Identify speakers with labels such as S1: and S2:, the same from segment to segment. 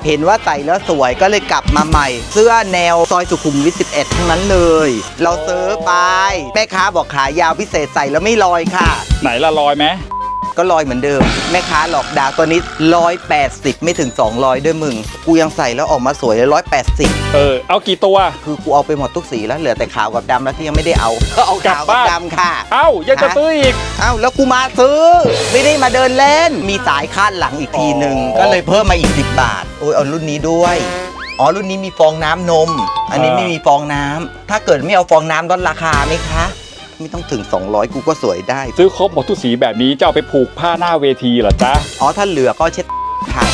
S1: เห็นว่าใส่แล้วสวยก็เลยกลับมาใหม่ เสื้อแนวซอยสุขุมวิท 11 ทั้งนั้นเลย เราซื้อไปแม่ค้าบอกขายาวพิเศษใส่แล้วไม่ลอยค่ะ
S2: ไหนละลอยไหม
S1: ก็ลอยเหมือนเดิมแม่ค้าหลอกดาวตัวนี้180ไม่ถึง200ด้วยมึงกูยังใส่แล้วออกมาสวยเลย180
S2: เอากี่ตัว
S1: คือกูเอาไปหมดทุกสีแล้วเหลือแต่ขาวกับดำแล้วที่ยังไม่ได้เอาก็เอาขาวกับดำค่ะ
S2: ยังจะซื้ออีก
S1: แล้วกูมาซื้อไม่ได้มาเดินเล่นมีสายคาดหลังอีกทีหนึ่งก็เลยเพิ่มมาอีก10 บาทโอ้ยเอารุ่นนี้ด้วยรุ่นนี้มีฟองน้ำนมอันนี้ไม่มีฟองน้ำถ้าเกิดไม่เอาฟองน้ำลดราคาไหมคะไม่ต้องถึง200กูก็สวยได้
S2: ซื้อครบหมดทุกสีแบบนี้จะเอาไปผูกผ้าหน้าเวทีเหรอจ๊ะ
S1: ถ้าเหลือก็เช็ดค่ะ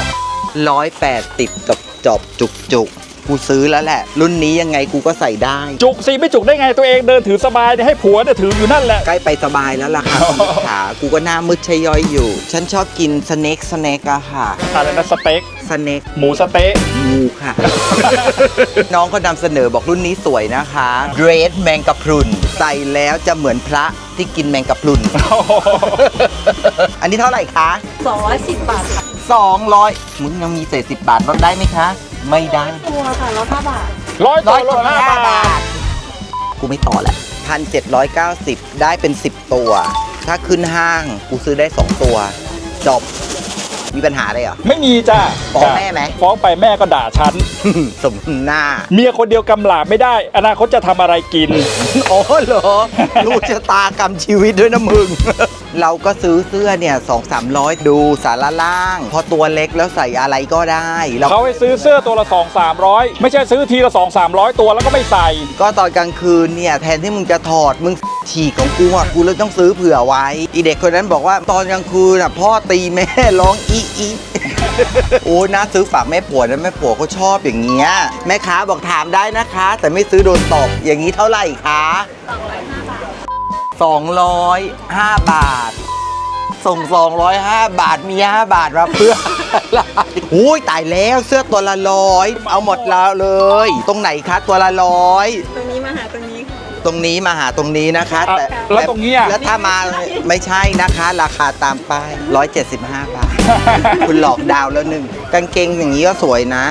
S1: 180กับจอบจุกกูซื้อแล้วแหละรุ่นนี้ยังไงกูก็ใส่ได้
S2: จุกสิไม่จุกได้ไงตัวเองเดินถือสบายให้ผัวถืออยู่นั่นแหละ
S1: ใกล้ไปสบายแล้วล่ะค่ะขากูก็หน้ามืดชะย้อยอยู่ฉันชอบกินสเน็กอะค่ะ
S2: อะไรนะสเต็ก
S1: สเน็ก
S2: หมูสเต๊ะ
S1: งูค่ะ น้องก็นำเสนอบอกรุ่นนี้สวยนะคะเดรสแมงกะพรุนใส่แล้วจะเหมือนพระที่กินแมงกะพรุน อันนี้เท่าไหร่คะ
S3: 210 บาทค่ะ
S1: 200มึงยังมีเศษ10 บาทลดได้ไหมคะไม่ได้
S3: ตัวค่ะลด5 บาท
S2: 100 ตัวลด5 บาท
S1: กูไม่ต่อแหละ1,790ได้เป็น10 ตัวถ้าขึ้นห้างกูซื้อได้2 ตัวจบมีปัญหาอะไรเหรอ
S2: ไม่มีจ้ะ
S1: ฟ้องแม่ไหม
S2: ฟ้องไปแม่ก็ด่าฉัน
S1: สมหน้า
S2: เมียคนเดียวกำหลาบไม่ได้อนาคตจะทำอะไรกิน
S1: เหรอรู้ชะตากรรมชีวิตด้วยนะมึง เราก็ซื้อเสื้อเนี่ย200-300ดูสาระล่างพอตัวเล็กแล้วใส่อะไรก็ได้
S2: เขาให้ซื้อเสื้อตัวละ200-300ไม่ใช่ซื้อทีละ200-300ตัวแล้วก็ไม่ใส่
S1: ก็ตอนกลางคืนเนี่ยแทนที่มึงจะถอดมึงฉีกของกูกูเลยต้องซื้อเผื่อไว้อีเด็กคนนั้นบอกว่าตอนกลางคืนพ่อตีแม่ร้องอีโอ้น่าซื้อฝากแม่ผัวนะแม่ผัวเขาชอบอย่างเงี้ยแม่ค้าบอกถามได้นะคะแต่ไม่ซื้อโดนตบอย่างนี้เท่าไหร่คะ205 บาทส่ง205 บาทมี5 บาทมาเพื่ออะไรอุ้ยตายแล้วเสื้อตัวละ100เอาหมดแล้วเลยตรงไหนคะตัวละ100
S3: ตรงนี้มาหาตรงนี้
S1: ตรงนี้มาหาตรงนี้นะคะ
S2: แต่แล้วตรงนี้
S1: แล้วถ้ามาไม่ใช่นะคะราคาตามป้าย175 บาท คุณหลอกดาวแล้วหนึ่งกางเกงอย่างนี้ก็สวยนะ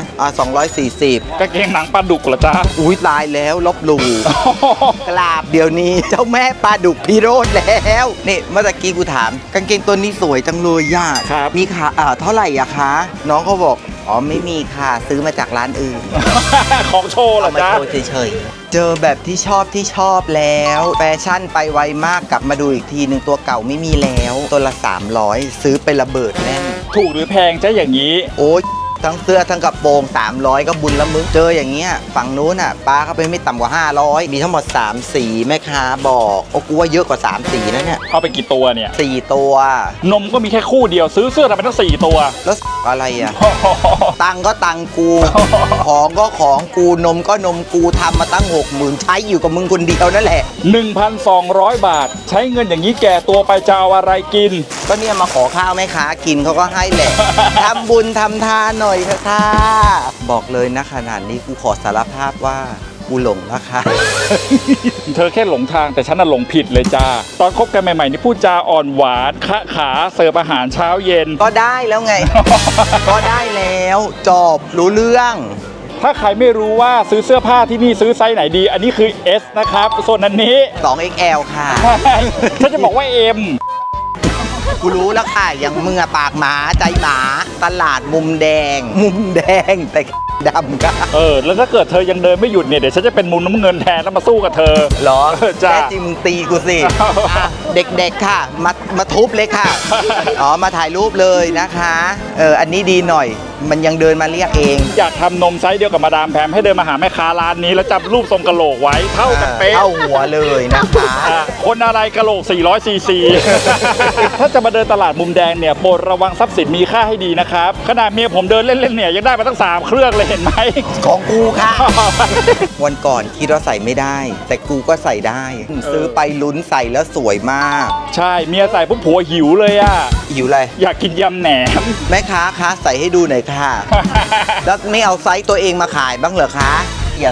S1: 240
S2: กางเกงหนังปลาดุกเหรอจ๊ะ
S1: อุ้ยตายแล้วลบหลู่กราบเดี๋ยวนี้เจ้าแม่ปลาดุกพี่โรดแล้วนี่เมื่อกี้กูถามกางเกงตัวนี้สวยจังเลยย่ามีค่ะเท่าไหร่อะคะน้องเขาบอกไม่มีค่ะซื้อมาจากร้านอื่น
S2: ของโชว์เหรอจ๊ะ
S1: เอามาโชว์เฉยๆเจอแบบที่ชอบแล้วแฟชั่นไปไวมากกลับมาดูอีกทีหนึ่งตัวเก่าไม่มีแล้วตัวละ300ซื้อไประเบิดแน่น
S2: ถูกหรือแพงจ๊ะอย่างนี้
S1: โอ้ยทั้งเสื้อทั้งกระโปรง300ก็บุญละมึงเจออย่างเงี้ยฝั่งนู้นป้าเขาไปไม่ต่ำกว่า500มีทั้งหมด3 สีแม่ค้าบอกกูว่าเยอะกว่า3 สีนะเนี่ย
S2: เอาไปกี่ตัวเนี่ย
S1: 4 ตัวน
S2: มก็มีแค่คู่เดียวซื้อเสื้อทำไมต้อง4 ตัว
S1: แล้วอะไรอ่ะ ตังก็ตังกู ของก็ของกูนมก็นมกูทำมาตั้ง 60,000ใช้อยู่กับมึงคนเดียวนั่นแหละ
S2: 1,200 บาทใช้เงินอย่างนี้แก่ตัวไปจะเอาอะไรกิน
S1: ก็เนี่ยมาขอข้าวแม่ค้ากินเขาก็ให้แหละ ทำบุญทำทานหน่อยเถอะค่ะบอกเลยนะขนาดนี้กูขอสารภาพว่ากูหลงนะคะ
S2: เธอแค่หลงทางแต่ฉันน่ะหลงผิดเลยจ้าตอนคบกันใหม่ๆนี่พูดจาอ่อนหวานคะขาเสิร์ฟอาหารเช้าเย็น
S1: ก็ได้แล้วไง ก็ได้แล้วจบรู้เรื่อง
S2: ถ้าใครไม่รู้ว่าซื้อเสื้อผ้าที่นี่ซื้อไซส์ไหนดีอันนี้คือ S นะครับส่วนอันนี้
S1: 2XL ค่ะ
S2: ฉันจะบอกว่า M
S1: กูรู้แล้วค่ะอย่างมึงอะปากหมาใจหมาตลาดมุมแดงแต่ดำก็
S2: แล้วถ้าเกิดเธอยังเดินไม่หยุดเนี่ยเดี๋ยวฉันจะเป็นมุมน้ำเงินแทนแล้วมาสู้กับเธอ
S1: หรอจ้าแค่จริงมึงตีกูสิเด็กๆค่ะมาทุบเลยค่ะมาถ่ายรูปเลยนะคะอันนี้ดีหน่อยมันยังเดินมาเรียกเอง
S2: อยากทำนมไซส์เดียวกับมาดามแพมให้เดินมาหาแม่ค้าร้านนี้แล้วจับรูปทรงกะโหลกไว้เท่ากันเป๊ะ
S1: เท่าหัวเลยนะคะ
S2: คนอะไรกะโหลก400 ซีซี ถ้าจะมาเดินตลาดมุมแดงเนี่ยโปรดระวังทรัพย์สินมีค่าให้ดีนะครับขนาดเมียผมเดินเล่นๆเนี่ยยังได้มาตั้ง3 เครื่องเลยเห็นไหม
S1: ของกูค่ะ วันก่อนคิดว่าใส่ไม่ได้แต่กูก็ใส่ได้ซื้อไปลุ้นใส่แล้วสวยมาก
S2: ใช่เมียใส่ปุ๊บผัวหิวเลยอ่ะ
S1: หิวอะไร
S2: อยากกินยำแหนม
S1: แม่ค้าคะใส่ให้ดูหน่อยค่ะ แล้วไม่เอาไซส์ตัวเองมาขายบ้างเหรอคะอย่า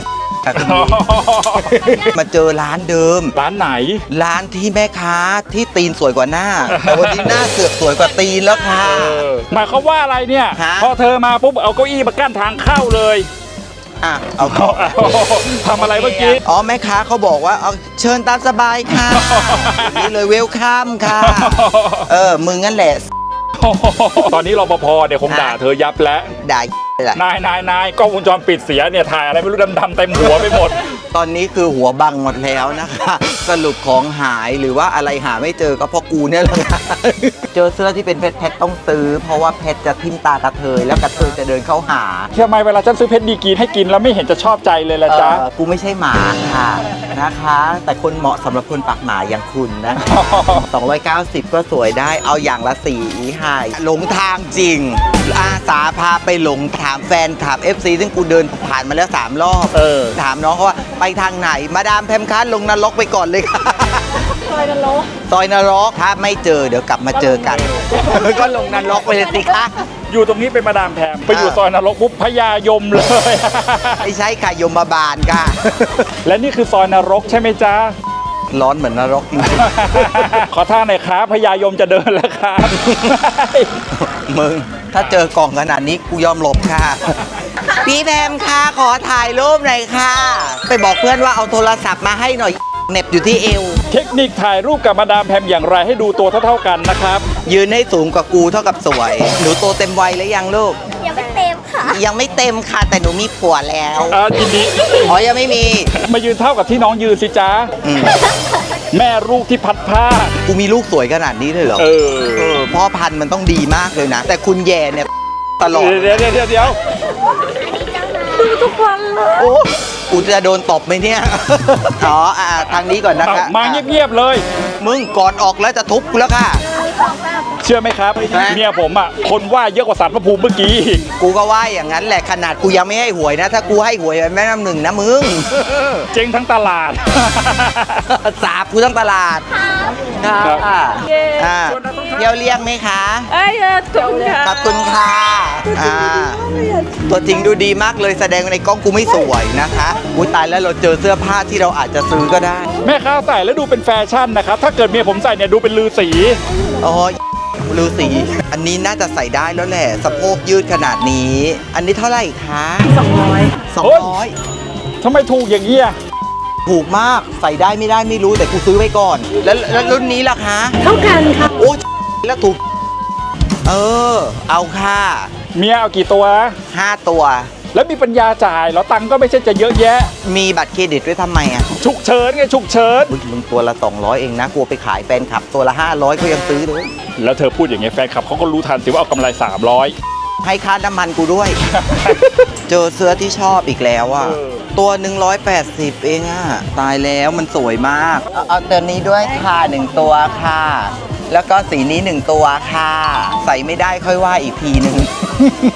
S1: ค่ะคุณนี้ มาเจอร้านเดิม
S2: ร้านไหน
S1: ร้านที่แม่ค้าที่ตีนสวยกว่าหน้า แต่วันนี้หน้าเสือกสวยกว่าตีนแล้วค่ะ
S2: หมายความว่าอะไรเนี่ย
S1: ฮะ
S2: พอเธอมาปุ๊บเอาเก้าอี้มากั้นทางเข้าเลย
S1: อ่ะเอา
S2: เอาทำอะไรเมื่อกี้
S1: อ๋อแม่ค้าเขาบอกว่าเอาเชิญตามสบายค่ะนี่เลยเวลคัมค่ะ มึงงั้นแหละ
S2: ตอนนี้รปภเนี่ยคงด่าเธอยับแล้ว
S1: ได้เลย
S2: นายกล้องวงจรปิดเสียเนี่ยถ่ายอะไรไม่รู้ดำๆเต็มหัวไปหมด
S1: ตอนนี้คือหัวบังหมดแล้วนะคะ สรุปของหายหรือว่าอะไรหาไม่เจอก็เพราะกูเนี่ยแหละค่ะ เจอเสื้อที่เป็นเพชรต้องซื้อ เพราะว่าเพชรจะทิ่มตากระเทยแล้วกระเทยจะเดินเข้าหา
S2: ทำไมเวลาฉันซื้อเพชรดีกรีให้กินแล้วไม่เห็นจะชอบใจเลยล่ะจ๊ะ
S1: กูไม่ใช่หมาค่ะนะคะ แต่คนเหมาะสำหรับคนปากหมาอย่างคุณนะ 290 ก็สวยได้เอาอย่างละสีให้หลงทางจริง อาสาพาไปหลงถามแฟนถาม FC ซึ่งกูเดินผ่านมาแล้ว3 รอบ ถามน้องเขาว่าไปทางไหนมาดามแพมคัสลงนรกไปก่อนเลยค่ะ
S3: ซอยกันโล
S1: ซอยนรกถ้าไม่เจอเดี๋ยวกลับมาเจอกัน ก็ลงนรกไปเลยสิคะ
S2: อยู่ตรงนี้เป็นมาดามแพมไปอยู่ซอยนรกปุ๊บพญายมเลย
S1: ไม่ใช่ค่ะยมบาลค่ะ
S2: และนี่คือซอยนรกใช่ไหมจ๊ะ
S1: ร้อนเหมือนนรกจริง
S2: ขอท่าหน่อยครับพญายมจะเดินแล้วครับ
S1: ๆ มึง ถ้าเจอกล่องขนาดนี้กูยอมหลบค่ะ พี่แพมค่ะขอถ่ายรูปหน่อยค่ะ ไปบอกเพื่อนว่าเอาโทรศัพท์มาให้หน่อยเหน็บอยู่ที่เอว
S2: เทคนิคถ่ายรูปกับมาดามแพมอย่างไรให้ดูตัวเท่าๆกันนะครับ
S1: ยืนให้สูงกว่ากูเท่ากับสวย หนูโตเต็มวัยแล้วยังลูก
S3: ยังไม่เต็มค่ะ
S1: ยังไม่เต็มค่ะ แต่หนูมีผัวแล้ว
S2: ยินดี
S1: อ๋อยังไม่มี
S2: มายืนเท่ากับที่น้องยืนสิจ๊ะ
S1: อืม
S2: แม่ลูกที่พัดผ้า
S1: กูมีลูกสวยขนาดนี้เลยเหรอ พ่อพันธุ์มันต้องดีมากเลยนะ แต่คุณแย่เนี่ยตลอด
S2: เดี๋ยว
S3: ดูทุกวันเลย
S1: โอ้กูจะโดนตบไหมเนี่ย อ๋อทางนี้ก่อนนะคะ
S2: มาเงียบๆเลย
S1: มึงก่อนออกแล้วจะทุบกูแล้วค่ะ
S2: เชื่อไหมครับ
S1: ฮะ
S2: เมียผมอ่ะคนว่าเยอะกว่าสัตว์พระภูมิเมื่อกี้อีก
S1: กูก็ว่าอย่างนั้นแหละขนาดกูยังไม่ให้หวยนะ ถ้ากูให้หวยแม่น้ำหนึ่งนะมึง
S2: เจ๊งทั้งตลาด
S1: สาบกูทั้งตลาดครับ
S3: เย้
S1: เที่ยวเรียกไหมคะ
S3: เอ้ยถูกค่ะ
S1: ขอบคุณค่ะตัวจริงดูดีมากเลยแสดงในกล้องกูไม่สวยนะคะอุ้ยตายแล้วเราเจอเสื้อผ้าที่เราอาจจะซื้อก็ได้
S2: แม่ค้าใส่แล้วดูเป็นแฟชั่นนะครับ ถ้าเกิดเมียผมใส่เนี่ยดูเป็นลือสี
S1: อ๋อฤาษีอันนี้น่าจะใส่ได้แล้วแหละสะโพกยืดขนาดนี้ อันนี้เท่าไหร่คะ200
S2: ทำไมถูกอย่างนี้อ่ะ
S1: ถูกมากใส่ได้ไม่ได้ไม่รู้แต่กูซื้อไว้ก่อน แล้วรุ่นนี้ล่ะคะ
S3: เท่ากันค่ะ
S1: โอ้แล้วถูกเอาค่ะ
S2: เมียเอากี่ตัว
S1: 5 ตัว
S2: แล้วมีปัญญาจ่ายแล้วตังค์ก็ไม่ใช่จะเยอะแยะ
S1: มีบัตรเครดิตไว้ทำไมอ่ะ
S2: ฉุกเฉินไงฉุกเฉิน
S1: มึงตัวละ200เองนะกลัวไปขายแฟนคลับตัวละ500ก็ยังซื้อเลย
S2: แล้วเธอพูดอย่างเงี้ยแฟนคลับเขาก็รู้ทันสิว่าเอากำไร 300
S1: ให้ค่าน้ำมันกูด้วย เจอเสื้อที่ชอบอีกแล้วอ่ะ ตัว180เองอ่ะ ตายแล้วมันสวยมาก เอาตัวนี้ด้วยค่ะ1ตัวค่ะ แล้วก็สีนี้1ตัวค่ะ ใส่ไม่ได้ค่อยว่าอีกทีหนึ่ง